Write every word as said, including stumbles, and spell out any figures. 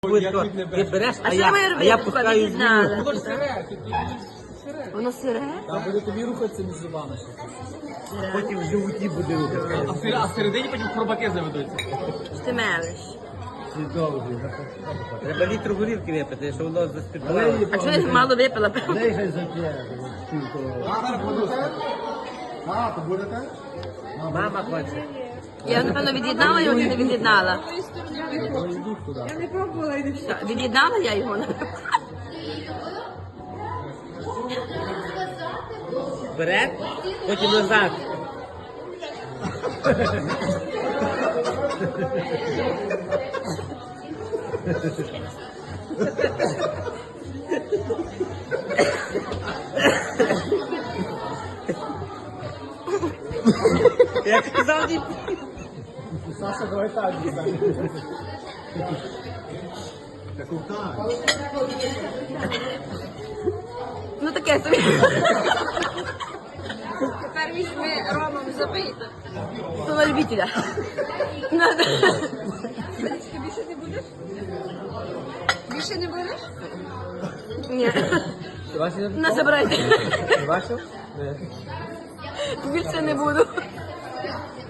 Швидко, ти береш, А а що я, ми а робити? я пускаю Від'єднали. звук. Воно сире? Так, буде тобі рухатися між зубами. Потім в животі буде рухати. А в сер- а всередині потім хробаки заведуться. Ти мелиш. Треба літр горілки випити, щоб воно заспівало. А чого я мало випила? А, то будете? Мама хоче. Я, напевно, від'єднала його чи не від'єднала? Я не пробувала і не все. Так, від'єднала я його? Вперед, потім назад. Я казав, ні. Саша, давай так. Так, так. Ну таке собі. Тепер візьми ромом забийте. То на любителя. Надо. Ти більше не будеш? Більше не будеш? Ні. Не забирайте. Бачив? Більше не буду.